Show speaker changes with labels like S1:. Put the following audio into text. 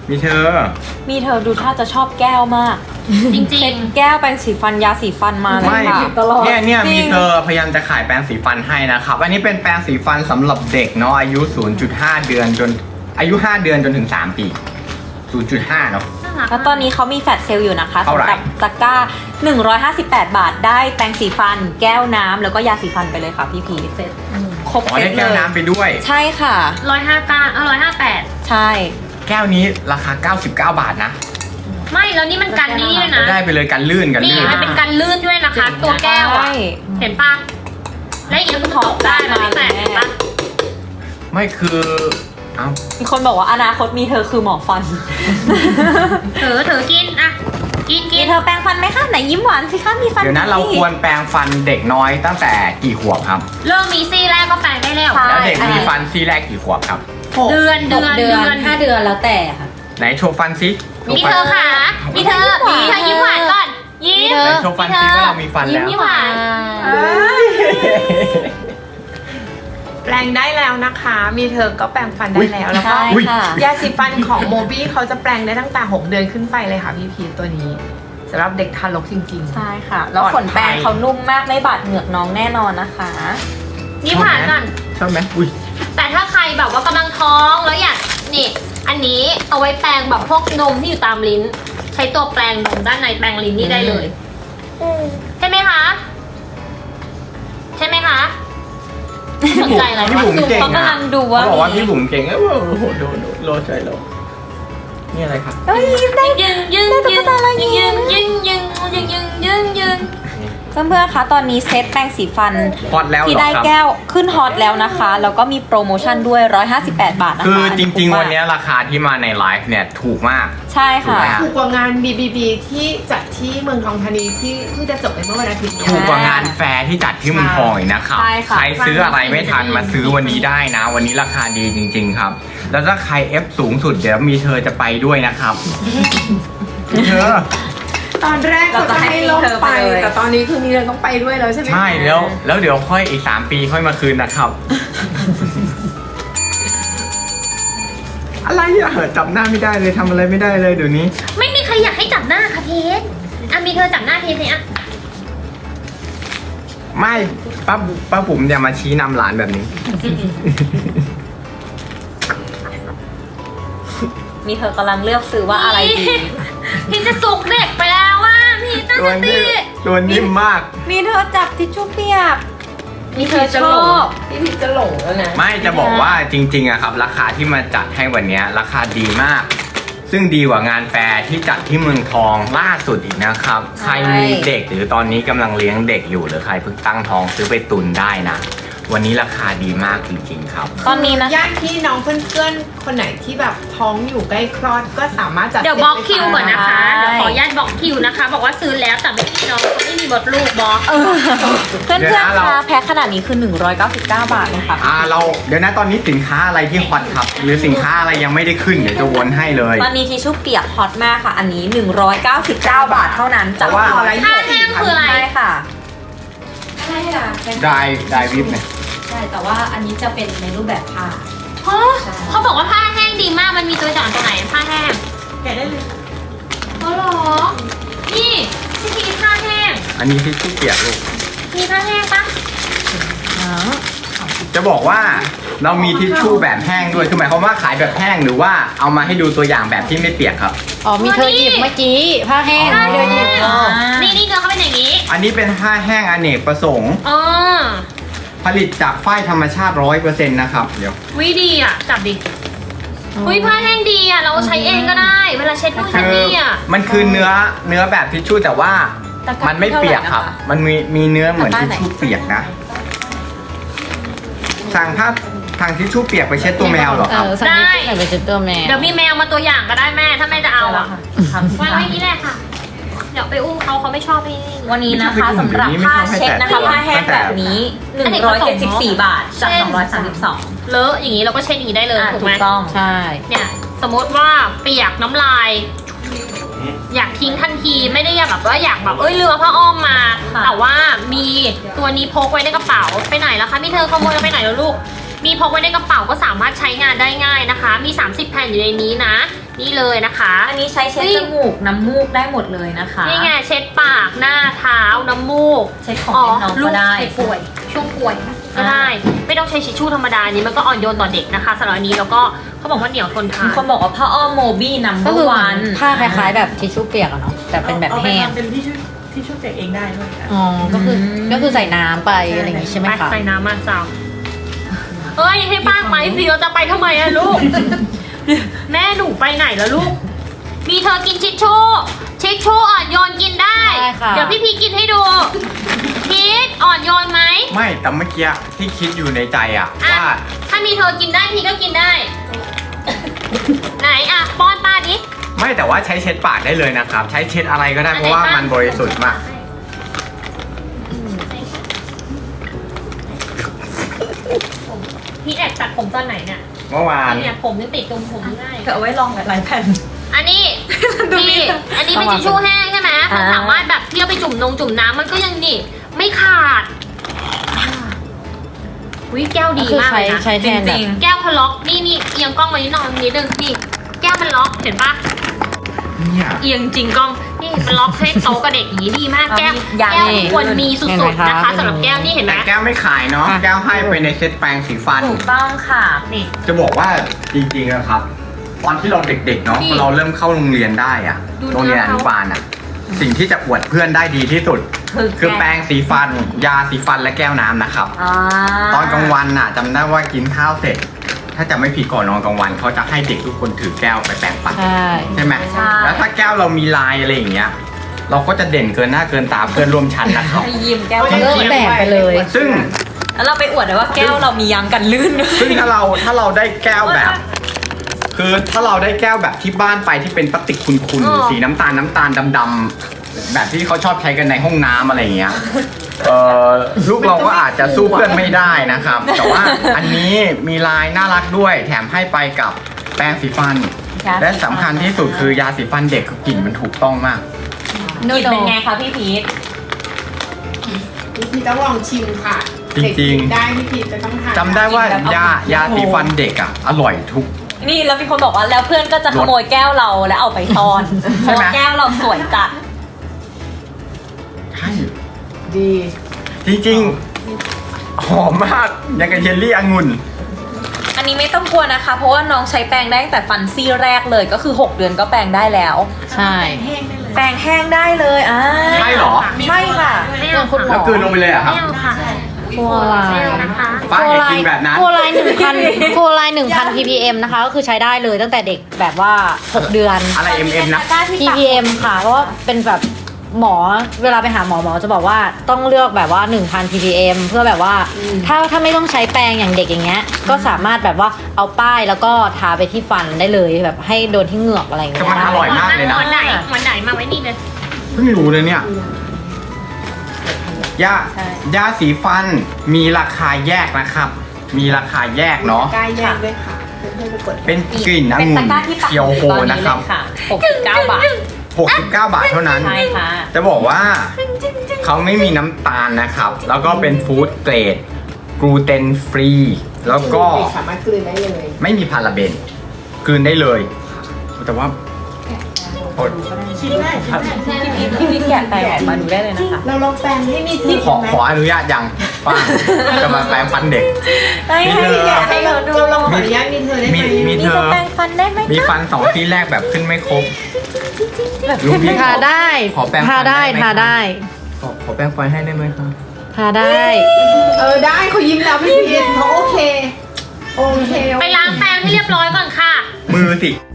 S1: มีเธอ
S2: ดูท่าจะชอบแก้วมาก
S3: จริง
S2: เช็ดแก้วแปรงสีฟันยาสีฟันมาเลย
S1: ไม่
S2: ค่ะ
S1: เนี่ยมีเธอพยายามจะขายแปรงสีฟันให้นะครับอันนี้เป็นแปรงสีฟันสำหรับเด็กเนาะอายุ 0.5 เดือนจนอายุ5 เดือนจนถึง3 ปี 0.5 เนาะ
S3: ๆน่ารัก
S2: แล้วตอนนี้เขามีแฟลชเซลล์อยู่นะคะ
S1: เท่าไหร่
S2: สำหรับตะกร้า158 บาทได้แปรงสีฟัน แก้วน้ำแล้วก็ยาสีฟันไปเลยค่ะพี่พีเซ็ตครบ
S1: อ๋อ
S2: เซ็
S1: ได้
S2: ตเล
S1: แก้วย น้ำไปด้วย
S2: ใช่ค่ะ
S3: 159
S2: ใช่
S1: แก้วนี้ราคา99 บาทนะ
S3: 158ไม่แล้วนี่มันกันนี่ด้วยนะ
S1: ได้ไปเลยกันลื่น
S3: นี่มันเป็นกันลื่นด้วยนะคะ ตัวแก้วอ่ะ
S2: ใช่
S3: เห็นปะและอย่างนี้มันตกได้นะพี่แปะเห็นปะ
S1: ไม่คือเอ้า
S2: มีคนบอกว่าอนาคตมีเธอคือหมอฟัน
S3: เถอกินอ่ะกิน
S2: มีเธอแปรงฟันไหมคะไหนยิ้มหวานสิคะมีฟัน
S1: เดี๋ยวนะเราควรแปรงฟันเด็กน้อยตั้งแต่กี่ขวบครับ
S3: เริ่มมีซี่แรกก็แปลงได้แล้ว
S1: แล้วเด็กมีฟันซี่แรกกี่ขวบครับ
S3: เดือน
S4: 5 เดือนแล้วแต่ค่ะ
S1: ไหนโชว์ฟันซิโชว์
S3: มี
S1: ฟั
S3: เธอค่ะมีเธอยิ้มหวานก่อนยิ้ม
S1: ไหนโชว์ฟันซิว่าเรามีฟันแล้ว
S3: ยิ้มหวาน
S5: แปลงได้แล้วนะคะ มีเธอก็แปลงฟันได้แล้วแล้วก็
S2: ใช่ค่ะ
S5: ยาสีฟันของโมบี้เขาจะแปลงได้ตั้งแต่ 6 เดือนขึ้นไปเลยค่ะพี่พีชตัวนี้สำหรับเด็กทารกจริงๆ
S2: ใช่ค่ะ แล้วขนแปรงเขานุ่มมากไม่บาดเหงือกน้องแน่นอนนะคะ
S3: ยิ้มหวานก่อน
S1: ชอบไหมอุ้ย
S3: แต่ถ้าใครแบบว่ากำลังท้องแล้วอยากนี่อันนี้เอาไว้แปรงแบบพวกนมที่อยู่ตามลิ้น ใช้ตัวแปรงนมด้านในแปรงลิ้นนี่ได้เลยใช่ไหมคะใช่ไหมคะสนใจอะไร
S1: พี่
S3: วะ
S1: บุ๋มเก่ง
S2: เขากำลังดูว่า
S1: เขาบอกว่า
S2: มี
S1: พี่บุ๋มเก่งโอ้โหโดโลใจโลนี่อะไรครับ
S2: เอ้ยยิ้มได้
S3: ยึงยึงยึงยึงยึงยึงยึงยึงยึงยึง
S2: เพื่อนๆคะตอนนี้เซตแปรงสีฟัน
S1: ฮอตแล้วเห
S2: ที่
S1: รอ
S2: ได้
S1: ครับ
S2: แก้วขึ้นฮอตแล้วนะคะ แล้วก็มีโปรโมชั่นด้วย 158 บาทนะคะ
S1: คือจริง
S2: ถูก
S1: ๆ
S2: มาก
S1: วันนี้ราคาที่มาในไลฟ์เนี่ยถูกมาก
S2: ใช่
S1: ถูก
S2: ค่ะ
S1: ไหมฮะ
S5: ถูกกว่างาน BBB ที่จัดที่เมืองทองธานีที่เพิ่งจะจบไปเมื่อวันอาทิตย์นี้
S1: ถูกกว่างานแฟร์ที่จัดที่เมืองทองอีกนะครับ
S2: ใช่ค่ะ
S1: ใครซื้ออะไรไม่ทันมาซื้อวันนี้ได้นะ วันนี้ราคาดีจริง ๆ ครับ แล้วถ้าใคร F สูงสุดเดี๋ยวมีเธอจะไปด้วยนะครับมีเธอ
S5: ตอนแรกเขาจะให้ลงไป
S2: เราจะให้เธอไปเลย
S5: แต่ตอนนี้คือมีเธอต้องไปด้วยแล้วใช่ไหมคะ
S1: ใช่แล้วเดี๋ยวค่อยอีก3 ปีค่อยมาคืนนะครับ อะไรอะจับหน้าไม่ได้เลยทำอะไรไม่ได้เลยเดี๋ยวนี้
S3: ไม่มีใครอยากให้จับหน้าค่ะเพชรอ่ะมีเธอจับหน้าเพชรเนี่ยอ่ะ
S1: ไม่ป้าบุ๋มอย่ามาชี้นำหลานแบบนี้
S2: มีเธอกำลังเลือกซื้อว่าอะไรดี
S3: พี่จะสุกเด็กไปแล้วว่าพี่ตั้ง
S1: ตัว
S3: สติ
S1: ตัวนิ่มมาก
S2: มีเธอจับทิชชู่เปียก มีเธอชอบ
S5: พี่พีชจะหลงแล้วนะ
S1: ไม่จะบอกว่าจริงๆอะครับ ราคาที่มาจัดให้วันเนี้ยราคาดีมาก ซึ่งดีกว่างานแฟร์ที่จัดที่เมืองทองล่าสุดอีกนะครับ ใครมีเด็กหรือตอนนี้กำลังเลี้ยงเด็กอยู่หรือใครเพิ่งตั้งท้องซื้อไปตุนได้นะ วันนี้ราคาดีมากจริงๆครับ
S2: ตอนนี้นะคะ
S5: ญาติพี่น้องเพื่อนๆคนไหนที่แบบท้องอยู่ใกล้คลอดก็สามารถจัด
S3: เดี๋ยวบล็อกคิวก่อนนะคะ
S2: ใช่
S3: เดี๋ยวขออนุญาตบล็อกคิวนะคะ บอกว่าซื้อแล้วแต่ไม่มีน้องเขาไม่มีมดลูกบล็อก
S2: เพื่อน
S1: เดี๋ยวนะ
S2: ๆ
S1: เรา
S2: คะแพ็คขนาดนี้คือ 199 บาทเลยค่ะ
S1: เดี๋ยวนะตอนนี้สินค้าอะไรที่ฮอตครับ หรือสินค้าอะไรยังไม่ได้ขึ้นเดี๋ยวจะวนให้เลย
S2: ตอนนี้ทิชชู่เปียกฮอตมากค่ะ อันนี้ 199 บาทเท่านั้นจาก
S1: เพราะว่า
S3: ผ้าแห้งคืออะไร
S2: ใช่ค่ะ
S4: ใช่ค่ะ
S1: ได้วิบเนี่ย
S4: ใช่ แต่ว่าอันนี้จะเป็นในรูปแบบผ้า
S3: เพราะเขาบอกว่าผ้าแห้งดีมากมันมีตัวอย่างตัวไหนผ้าแห้ง
S5: แกะได้เลย
S3: เขาหรอนี่ที่มีผ้าแห้ง
S1: อันนี้ทิชชู่เปียกลูก
S3: มีผ้าแห้งปะ
S1: จะบอกว่าเรามีทิชชู่แบบแห้งด้วยคือหมายความว่าขายแบบแห้งหรือว่าเอามาให้ดูตัวอย่างแบบที่ไม่เปียกครับ
S4: อ๋อ มีเธอหยิบเมื่อกี้ผ้าแห้ง
S3: ผ้า
S4: มีเธ
S3: แห้
S4: อหยิบ
S3: งนี่เนื้อเขาเป็นอย่างนี้
S1: อันนี้เป็นผ้าแห้งอเนกประสงค์
S3: อ๋อ
S1: ผลิตจากฝ้ายธรรมชาติ 100%นะครับเดี๋ยว
S3: วิดีอ่ะจับดิอุ้ยผ้าแห้งดีอ่ะเราใช้เองก็ได้ เวลาเช็ดนู่นเช็ดนี่อ่ะ
S1: มันคือเนื้อแบบทิชชู่แต่ว่ามันไม่เปียกครับ มันมีเนื้อเหมือนทิชชู่เปียกนะสั่งทางทิชชู่เปียกไปเช็ดตัวแมวเหรอครับ
S4: สักนิดหน่อยไปเจอตัวแม่
S3: เดี๋ยวมีแมวมาตัวอย่างก็ได้แม่ถ้าแม่จะเอาอ่ะวางไว้นี่แหละค่ะ เดี๋ยวไปอุ้มเขาไม่ชอบนี่
S2: วันนี้นะคะสำหรับผ้าเช็ดนะคะผ้าแห้งแบบนี้ 174 บาทจาก 232
S3: เลอะอย่างนี้เราก็เช็ดอย่างนี้ได้เลย
S2: อ่ะ
S3: ถูก
S2: ถู
S3: ไหม
S2: กต้อง
S4: ใช่
S3: เนี่ยสมมติว่าเปียกน้ำลาย อยากทิ้งทันทีไม่ได้อยากแบบว่าอยากแบบเรือผ้าอ้อมมา
S2: ค่ะ
S3: แต่ว่ามีตัวนี้พกไว้ในกระเป๋าไปไหนแล้วคะพี่เธอขโมยไปไหนแล้วลูกมีพกไว้ในกระเป๋าก็สามารถใช้งานได้ง่ายนะคะ มี30 แผ่นอยู่ในนี้นะนี่เลยนะคะ
S2: อันนี้ใช้เช็ดจมูกน้ำมูกได้หมดเลยนะคะ
S3: นี่ไงเช็ดปากหน้าเท้าน้ำมูก
S2: เช็ดของเล่นน้อง
S3: ลู
S2: ก็
S3: ก
S2: ได้
S3: ใครป่วยช่วงป่วยก็ได้ ไม่ต้องใช้ทิชชู่ธรรมดาอันนี้มันก็อ่อนโยนต่อเด็กนะคะสำหรับอันนี้แล้วก็เขาบอกว่าเหนียวทนทา
S2: มี
S3: น
S2: คนบอกว่าผ้าอ้อมโมบี้นัมเบ
S4: ก็
S2: อ
S4: คือ
S2: ร์
S4: เหมื
S2: วั
S4: อน
S2: น
S4: ผ้าคล้ายๆแบบทิชชู่เปียกอะเนาะแต่เป็นแบบแห้ง
S6: เอาไปทำเป็นที่ชุบเปียกเองได้ด้วยค่ะ
S4: อ๋อก็คือใส่น้ำไปอะไรอย่างงี้ใช่ไหม
S3: ไป
S4: คะ
S3: ใส่น้ำมาสาวเอ้ยให้ป้าไหมสิเราจะไปทำไมอะลูก แม่หนูไปไหนแล้วลูก มีเธอกินทิชชู่อ่อนโยนกินได้
S4: ได้ค่ะ
S3: เดี๋ยวพี่พีกินให้ดูพีทอ่อนโยนไหม
S1: ไม่แต่เมื่อกี้ที่คิดอยู่ในใจอะ
S3: อ่ะ
S1: ว่า
S3: ถ้ามีเธอกินได้พีก็กินได้ ไหนอะป้อนป้าดิ
S1: ไม่แต่ว่าใช้เช็ดปากได้เลยนะครับ ใช้เช็ดอะไรก็ได้เพราะว่ามันบริสุทธิ์มาก
S3: พี่แอบตัดผมตอนไหนเนี่ย
S1: เมื่อวาน
S3: เนี่ยผมยังติดตรงผมง่าย
S2: เธอเอาไว้ลองหลายๆแผ่น
S3: อันนี้พี่อันนี้เป็นทิชชู่แห้งใช่ไหมมันสามารถแบบเที่ยวไปจุ่มน้ำมันก็ยังนี่ไม่ขาดวิแก้ว
S4: ก็
S3: ดี
S4: คือ
S3: มากเลยนะ
S4: ใช้แทนแบบ
S3: แก้วเขาล็อกนี่เอียงกล้องมานิดหน่อยนิดนึงนี่แก้วมันล็อกเห็นปะ
S1: เนี่ย
S3: เอียงจริงกล้องนี่มันล็อกให้โต๊ะกับเด็กอย่างนี้ดีมากแก้ว
S2: อย่าง
S3: แก้ว
S2: นี้
S3: ควรมีสุดๆนะคะสำหรับแก้วนี่เห็นไหม
S1: แต่แก้วไม่ขายเนาะ
S4: อ่ะ
S1: แก้วให้ไปในเซตแปรงสีฟัน
S2: ถูกต้องค่ะ
S3: นี่
S1: จะบอกว่าจริงๆนะครับ ตอนที่เราเด็กๆเนาะ
S3: นี่
S1: พอเราเริ่มเข้าโรงเรียนได้อะ
S3: ดู
S1: โรงเรียน
S3: เนื้
S1: อ
S3: อเขา
S1: นุบาลอะสิ่งที่จะอวดเพื่อนได้ดีที่สุด คือแปรงสีฟัน ยาสีฟันและแก้วน้ำนะครับ ตอนกลางวันน่ะจำได้ว่ากินข้าวเสร็จ ถ้าจะไม่ผิดก่อนนอนกลางวันเขาจะให้เด็กทุกคนถือแก้วไปแปรงฟัน
S4: ใช่
S1: ใช่ไหม
S2: ใช่
S1: แล้วถ้าแก้วเรามีลายอะไรอย่างเงี้ย เราก็จะเด่นเกินหน้าเกินตาเพื่อนร่วมชั้นนะครับ
S2: ให้ยิ้มแก้ว
S4: เลิกแบ่งไปเลย
S1: ซึ่ง
S2: แล้วเราไปอวดเลยว่าแก้วเรามียางกันลื่นด้วย
S1: ซึ่งถ้าเราได้แก้วแบบ คือถ้าเราได้แก้วแบบที่บ้านไปที่เป็นพลาสติกคุณ
S3: อ๋อ
S1: สีน้ำตาลดำๆแบบที่เขาชอบใช้กันในห้องน้ำอะไรอย่างเงี้ยลูกเราก็อาจจะสู้เพื่อนไม่ได้นะครับ แต่ว่าอันนี้มีลายน่ารักด้วย แถมให้ไปกับแปรงสีฟัน และสำคัญที่สุดคือยาสีฟันเด็กกลิ่นมันถูกต้องมาก
S2: กลิ่นเป็นไงคะพี่พีท
S5: พี่ต้องลองชิมค่ะ
S1: จริงๆ
S5: เด็กกินได้พี่พีจะต้องทาน
S1: จำได้ว่ายาสีฟันเด็กอ่ะอร่อยทุก
S2: นี่แล้วมีคนบอกว่าแล้วเพื่อนก็จะขโมยแก้วเราแล้วเอาไปซ่อนเพ
S1: ใช่
S2: ราะ
S1: ไหม
S2: ว่าแก้วเราสวยจัด
S1: ใช่
S5: ดี
S1: จริงๆหอมมากยังกับเยลลี่องุ่น
S2: อันนี้ไม่ต้องกลัวนะคะ เพราะว่าน้องใช้แปรงได้ตั้งแต่ฟันซี่แรกเลยก็คือ 6 เดือนก็แปรงได้แล้ว
S4: ใช่
S2: แปรงแห้งได้เลย
S1: ใช่เหรอ
S2: ใช่ค่ะ
S3: ไม่เอา
S4: คุณหม
S3: ค่ะ
S1: แล้วกลืนลงไปเลยเหรอะครับ
S3: ไม่เอาค่ะ
S4: ฟัวไล
S3: ไม่
S4: น์
S3: เอานะคะ
S1: ป้าอย่ากินแบบนั้น
S4: ฟัวไลน์1,000 ppm นะคะก็คือใช้ได้เลยตั้งแต่เด็กแบบว่า 6 เดือน
S1: อะไร MM นะ
S4: ppm ค่ะเพราะว่าเป็นแบบหมอเวลาไปหาหมอจะบอกว่าต้องเลือกแบบว่า 1,000 ppm เพื่อแบบว่าถ้าไม่ต้องใช้แปรงอย่างเด็กอย่างเงี้ยก็สามารถแบบว่าเอาป้ายแล้วก็ทาไปที่ฟันได้เลยแบบให้โดนที่เหงือกอะไรอย่างเงี้ย
S1: แต่มันอร่อยมากเลยนะ
S3: วันไหนมาไว้นี่เลย
S1: เพิ่งรู้เลยเนี่ยยา
S2: ใช่
S1: ยาสีฟันมีราคาแยกนะครับ มีราคาแยกเนาะ
S5: ใกล้แยกด้วยค่ะเพื่อนๆไปกด
S1: เป็นกลิ่น
S2: เป็น
S1: องุ่
S2: ตะ
S1: น
S2: กร้าที่ปัก
S1: เคียวโฮ
S2: ตอน
S1: นะ
S2: นี้
S1: ค
S2: เล
S1: รับ
S2: ยค่ะ69 บาท
S1: 69 บาทเท่านั้น
S2: ใช่ค่ะ
S1: จะบอกว่าเขาไม่มีน้ำตาลนะครับ แล้วก็เป็นฟู้ดเกรดกลูเตนฟรี แล้วก็
S5: เด็กสามารถกลืนได้เลย
S1: ไม่มีพาราเบนกลืนได้เลย แต่ว่าอด
S5: ชิมได้ชิมได้
S2: พี่พีทแกะแปรงออกมาดูได้เลยนะคะ
S5: เราลองแปรงให้มีทิป
S1: ขอ
S5: ไหม
S1: ขออนุญาตยังป้าจะมาแปรงฟันเด็ก
S2: ให้ให้แกะให้เราดู
S5: เราลองขออนุญาตมีเธอได้ไหม
S1: มีเธ
S2: นี่
S1: อ
S2: จะแปรงฟันได้ไหม
S1: มีฟัน2ซี่แรกแบบขึ้นไม่ครบลุงพี่
S4: ทาได้
S1: ขอแปรงฟั
S4: ทาน ได้
S1: ได้ไหม
S4: ทาได้
S1: ขอแปรงฟันให้ได้ไหมครับ
S4: ทาได้
S5: ได้เขายิ้มแล้วพี่พีเขาโอเค โอเค
S3: ไปล้างแปรงให้เรียบร้อยก่อนค่ะ
S1: มือสิ